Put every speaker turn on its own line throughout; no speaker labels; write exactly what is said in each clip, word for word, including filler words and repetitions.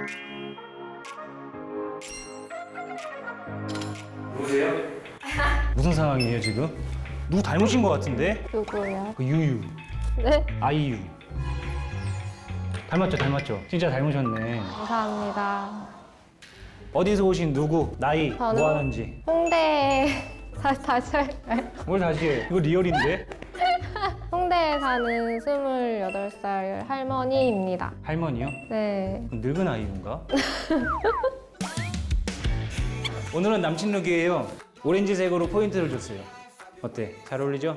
누구세요? 무슨 상황이에요 지금? 누구 닮으신 것 같은데?
누구요?
그 유유,
네?
아이유. 닮았죠, 닮았죠. 진짜 닮으셨네.
감사합니다.
어디서 오신 누구, 나이,
저는-
뭐 하는지.
홍대 다, 다시 할까요?
뭘 다시 해? 이거 리얼인데?
홍대에 사는 스물여덟 살 할머니입니다.
할머니요?
네.
늙은 아이유인가? 오늘은 남친 룩이에요. 오렌지색으로 포인트를 줬어요. 어때? 잘 어울리죠?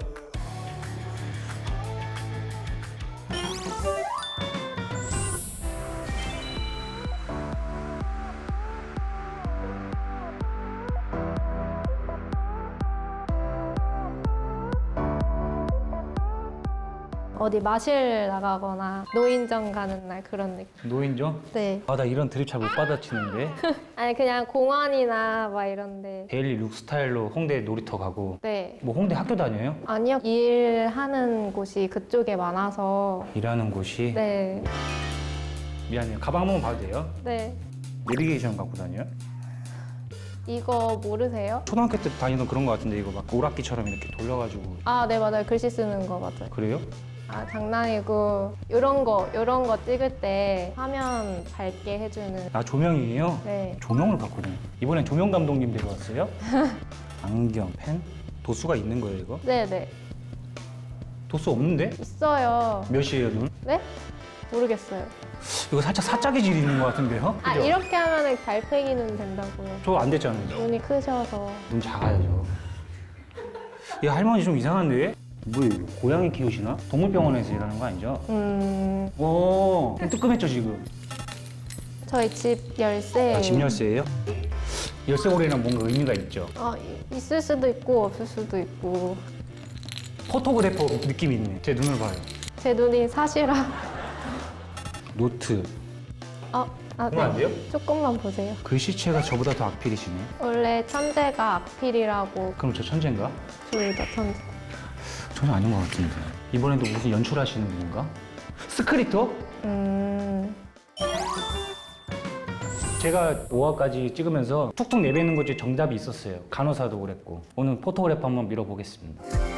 어디 마실 나가거나 노인정 가는 날 그런 느낌.
노인정?
네.
아, 나 이런 드립 잘 못 받아치는데.
아니 그냥 공원이나 막 이런데.
데일리 룩 스타일로 홍대 놀이터 가고.
네.
뭐 홍대 학교 다녀요?
아니요. 일하는 곳이 그쪽에 많아서.
일하는 곳이?
네.
미안해요. 가방 한번 봐도 돼요?
네.
내비게이션 갖고 다녀요?
이거 모르세요?
초등학교 때 다니던 그런 거 같은데 이거 막 오락기처럼 이렇게 돌려가지고.
아, 네 맞아요. 글씨 쓰는 거 맞아요.
그래요?
아, 장난이고 요런 거 요런 거 찍을 때 화면 밝게 해주는.
아, 조명이에요?
네.
조명을 바꾸네. 이번엔 조명 감독님 데려왔어요? 안경, 펜? 도수가 있는 거예요 이거?
네네.
도수 없는데?
있어요.
몇이에요 눈?
네? 모르겠어요.
이거 살짝 사짝의 질이 있는 것 같은데요?
아,
그죠?
이렇게 하면은 달팽이 눈 된다고요.
저 안 됐잖아요.
눈이 크셔서.
눈 작아요 저. 이 할머니 좀 이상한데? 뭐예요? 고양이 키우시나? 동물병원에서 일하는 거 아니죠?
음,
오, 뜨끔했죠 지금?
저희 집 열쇠.
아, 집 열쇠예요? 열쇠고리는 뭔가 의미가 있죠?
아, 이- 있을 수도 있고 없을 수도 있고.
포토그래퍼 느낌이 있네. 제 눈을 봐요.
제 눈이 사시라.
노트.
아, 아,
그러면 안 돼요?
조금만 보세요.
글씨체가 저보다 더 악필이시네.
원래 천재가 악필이라고.
그럼 저 천재인가?
둘 다 천재.
전혀 아닌 것 같은데. 이번에도 무슨 연출하시는 분인가? 스크립터?
음,
제가 오 화까지 찍으면서 툭툭 내뱉는 것 중에 정답이 있었어요. 간호사도 그랬고. 오늘 포토그래퍼 한번 밀어보겠습니다.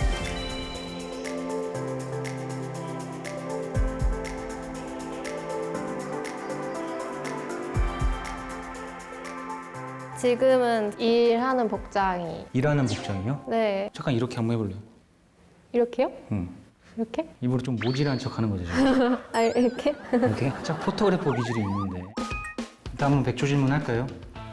지금은 일하는 복장이.
일하는 복장이요?
네.
잠깐 이렇게 한번 해볼래요?
이렇게요?
응.
이렇게?
입으로 좀 모질한 척 하는 거죠, 지금.
아, 이렇게?
이렇게? 살짝 포토그래퍼 기질이 있는데. 일단 한번 백조 질문 할까요?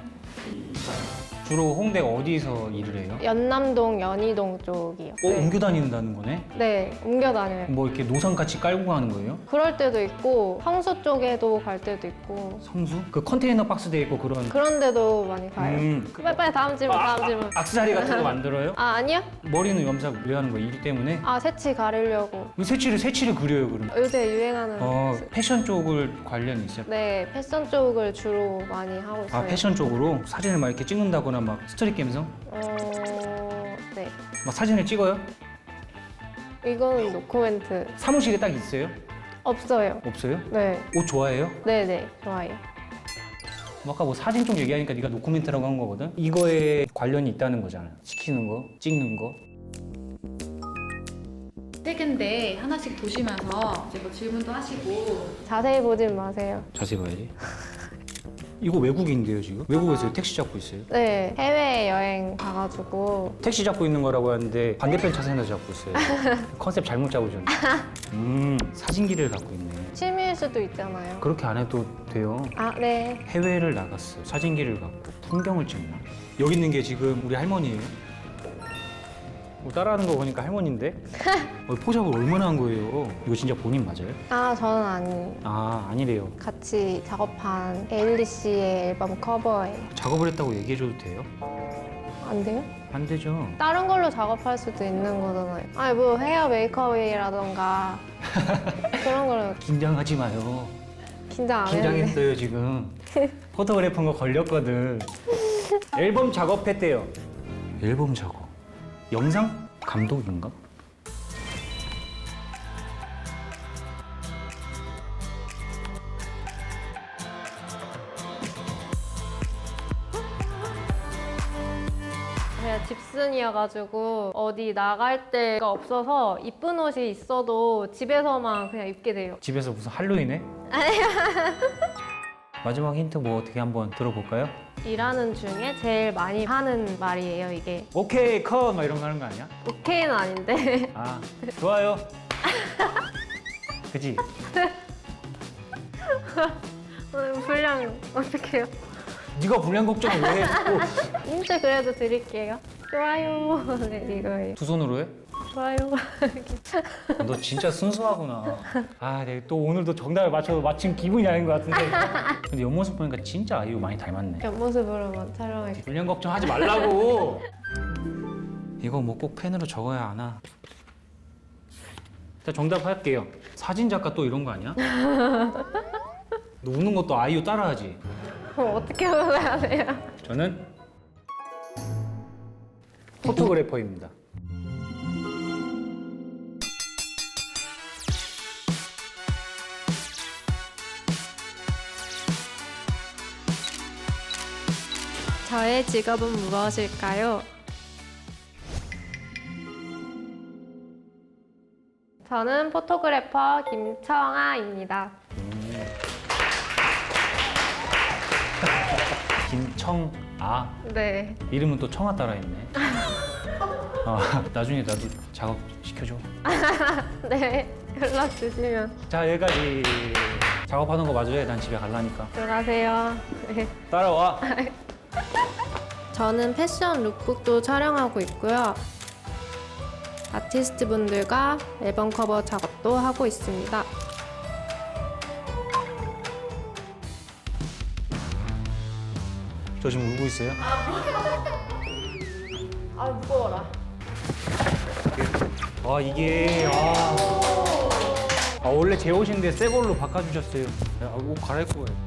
주로 홍대 어디서 일을 해요?
연남동, 연희동 쪽이요.
어,
네.
옮겨 다닌다는 거네?
네, 옮겨 다녀요.
뭐 이렇게 노상 같이 깔고 가는 거예요?
그럴 때도 있고 성수 쪽에도 갈 때도 있고
성수? 그 컨테이너 박스 돼 있고 그런.
그런 데도 많이 가요.
음.
빨리 빨리 다음 질문, 다음 질문.
악세사리 같은 거 만들어요?
아, 아니요?
머리는 염색 왜 하는 거예요? 일 때문에?
아, 새치 가리려고.
왜 새치를 새치를 그려요, 그럼?
요새 유행하는.
어, 패션 쪽을 관련이 있어요?
네, 패션 쪽을 주로 많이 하고 있어요.
아, 패션 쪽으로 사진을 막 이렇게 찍는다거나 막 스토리 게임성?
어, 네.
막 사진을 찍어요?
이거는 노코멘트.
사무실에 딱 있어요?
없어요.
없어요?
네.
옷 좋아해요?
네네, 좋아요.
뭐 아까 뭐 사진 쪽 얘기하니까 네가 노코멘트라고 한 거거든? 이거에 관련이 있다는 거잖아. 시키는 거, 찍는 거.
세 개인데 하나씩 보시면서 이제 뭐 질문도 하시고.
자세히 보진 마세요.
자세히 봐야지. 이거 외국인데요, 지금? 외국에서 택시 잡고 있어요.
네, 해외여행 가가지고.
택시 잡고 있는 거라고 하는데 반대편 차선에서 잡고 있어요. 컨셉 잘못 잡으셨네. 음, 사진기를 갖고 있네.
취미일 수도 있잖아요.
그렇게 안 해도 돼요.
아, 네.
해외를 나갔어요. 사진기를 갖고 풍경을 찍나? 여기 있는 게 지금 우리 할머니예요. 뭐 따라하는 거 보니까 할머니인데? 어, 포샵을 얼마나 한 거예요? 이거 진짜 본인 맞아요?
아, 저는 아니.
아, 아니래요.
같이 작업한 에일리 씨의 앨범 커버예요.
작업을 했다고 얘기해줘도 돼요?
안 돼요?
안 되죠.
다른 걸로 작업할 수도 있는 거잖아요. 아니, 뭐 헤어 메이크업이라던가 그런 거는
긴장하지 마요.
긴장 안 했는데.
긴장했어요, 지금. 포토그래퍼인 거 걸렸거든. 앨범 작업했대요. 앨범 작업. 영상 감독인가?
제가 집순이여가지고 어디 나갈 데가 없어서 이쁜 옷이 있어도 집에서만 그냥 입게 돼요.
집에서 무슨 할로윈해? 마지막 힌트 뭐 어떻게 한번 들어볼까요?
일하는 중에 제일 많이 하는 말이에요, 이게.
오케이 컷! 막 이런 거 하는 거 아니야?
오케이는 아닌데.
아 좋아요. 그지?
오늘 분량 어떡해요?
네가 불량 걱정을 왜 해? 또
힌트 그래도 드릴게요. 좋아요. 네, 이거예요.
두 손으로 해?
좋아요.
너 진짜 순수하구나. 아, 내가 또 오늘도 정답을 맞춰서 마침 기분이 아닌 것 같은데. 근데 옆모습 보니까 진짜 아이유 많이 닮았네.
옆모습으로만 촬영할게요.
불량 걱정하지 말라고. 이거 뭐 꼭 펜으로 적어야 하나? 일단 정답 할게요. 사진 작가 또 이런 거 아니야? 너 우는 것도 아이유 따라하지?
그럼 어떻게 해야 돼요?
저는 포토그래퍼입니다.
저의 직업은 무엇일까요? 저는 포토그래퍼 김청아입니다.
김청아.
네.
이름은 또 청아 따라했네. 어, 나중에 나도 작업 시켜줘.
네. 연락 주시면
자, 여기까지. 작업하는 거 맞아요? 난 집에 갈라니까.
들어가세요. 네.
따라와.
저는 패션 룩북도 촬영하고 있고요. 아티스트 분들과 앨범 커버 작업도 하고 있습니다.
저 지금 울고 있어요?
아, 무거워라.
아, 이게 아, 아 원래 제 옷인데 새 걸로 바꿔주셨어요. 야, 옷 갈아입고 가요.